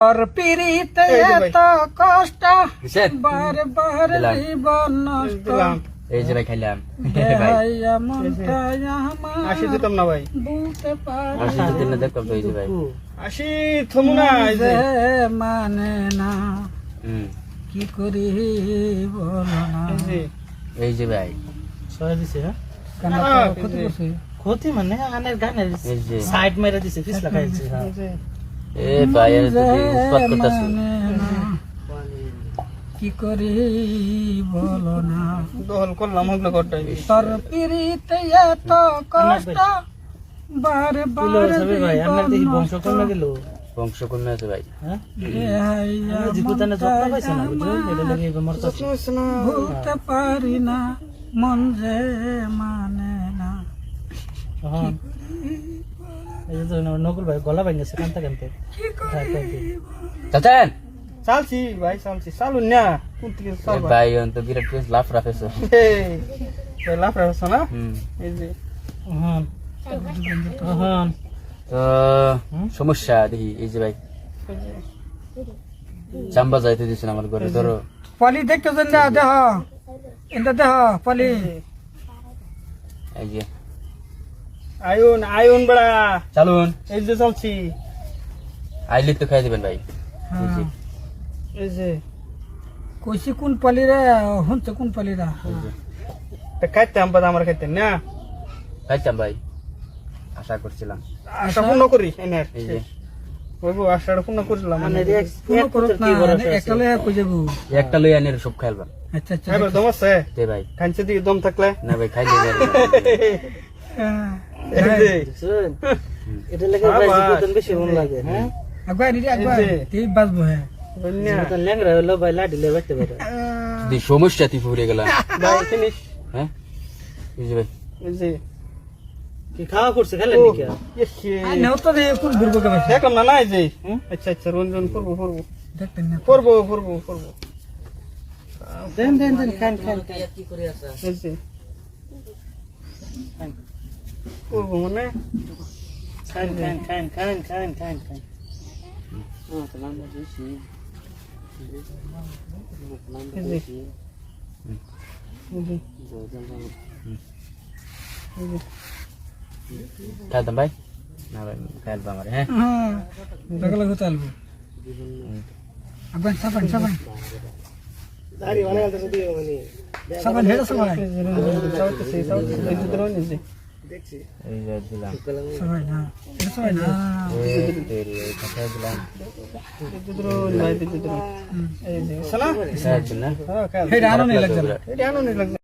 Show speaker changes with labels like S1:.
S1: और पीड़ित तो कष्ट बार জীবন নষ্ট
S2: এই যে ভাই খাইলাম
S1: দেহাইয়া মনটা আমার
S3: আসি দিতাম না ভাই
S1: বুঝতে পারি
S2: আসি যদি না দেখতাম তো এই যে ভাই
S3: আসি থমু না এই যে
S1: মানে না কি করি বলো না
S2: এই যে ভাই
S3: সহায় দিছে হ্যাঁ
S1: কেন ক্ষতি করছে
S3: ক্ষতি মানে গানের গানের
S2: এই যে
S3: সাইড মেরে দিছে ফিস লাগাইছে হ্যাঁ
S2: এ ভাই এর তো উৎপাত করতেছে
S1: কি করি বলো না
S3: দহল করলাম ওগুলো করটাই
S1: তোর পীড়িত এত কষ্ট বারে বারে
S3: ভাই আমরা দেখি বংশ কমে গেল
S2: বংশ কমে আছে ভাই
S3: হ্যাঁ
S1: দেহাইয়া
S3: জীবনে যত্ন পাইছে না বুঝছো এটা লাগে মরতাছে
S1: ভুলতে পারি না মন যে মানে না
S3: হ্যাঁ এই যে নকুল ভাই গলা ভাঙ গেছে কানতে কানতে
S2: চাচান
S3: চালছি ভাই চালছি চালুন না কোন থেকে চাল
S2: ভাই অন্ত বিরাট পেস লাফ রাফেছে
S3: এই লাফ রাখছ না এই যে হ্যাঁ হ্যাঁ
S2: তো সমস্যা দেখি এই যে ভাই চাম্বা যাইতে দিছেন আমার ঘরে ধরো
S1: পলি দেখতেছেন না দেহ এটা দেহ পলি
S2: এই যে
S3: আয়ুন আয়ুন বড়া
S2: চালুন
S3: এই যে চালছি
S2: আইলি তো খাই দিবেন ভাই এই যে
S3: এই যে
S1: কইছি কোন পলি রে হুনছে কোন পলি রা
S2: এই যে
S3: তা খাইতে আমরা আমরা খাইতে না
S2: খাইতাম ভাই আশা করছিলাম
S3: আশা পূর্ণ করি এনের
S2: এই যে
S3: ওইবো আশাটা পূর্ণ করলাম মানে
S1: পুরো করত না একলে কই যাবো
S2: একটা লই আনের সব খাইলাম
S1: আচ্ছা আচ্ছা
S3: এবার দম আছে
S2: দে ভাই
S3: খাইছে দি দম থাকলে
S2: না ভাই খাই দিবেন
S3: এই যে
S1: এটা লাগে বেশি বেশি মন লাগে হ্যাঁ আগবা নিদি আগবা তুই বাজবো হ্যাঁ
S3: বন্যা
S1: ল্যাংরা হলো ভাই লাডি লে বাইতে পারে
S2: দি সমস্যা তি ফুরে গেলাম
S3: ভাই ফিনিশ
S2: হ্যাঁ এই যে ভাই
S3: এই যে
S1: কি খাওয়া করছে খেলেন নাকি
S3: ইয়ে
S1: নেও তো রে কোন ঘুরবো কে ভাই
S3: দেখলাম না না এই যে আচ্ছা আচ্ছা রঞ্জন করবো করবো
S1: দেখতেন না
S3: করবো করবো করবো
S1: দেন দেন দেন খান খান কি করে আছে
S3: এই যে করবো মানে
S1: খান খান খান খান খান খান খান তো নাম দিছি
S3: এই যে
S2: খাইতাম ভাই না ভাই খাইলাম আমার হ্যাঁ
S1: হ্যাঁ লাগলা হতে আলবো আগবা সাবান সাবান
S3: দাড়ি বানায় তো দিও মানে
S1: সাবান হেডা সাবান
S3: এই যে ধরুন এই যে
S1: দেখছি
S2: এই যে দিলাম
S1: সাবান না এটা সাবান না
S2: এই তেরি এই কথা দিলাম
S3: এই যে ধরুন ভাই এই যে ধরুন এই যে শোনা
S2: খাই দিলাম
S3: হ্যাঁ খাই
S1: হেডা আনো নি লাগবে
S3: এটা আনো নি লাগবে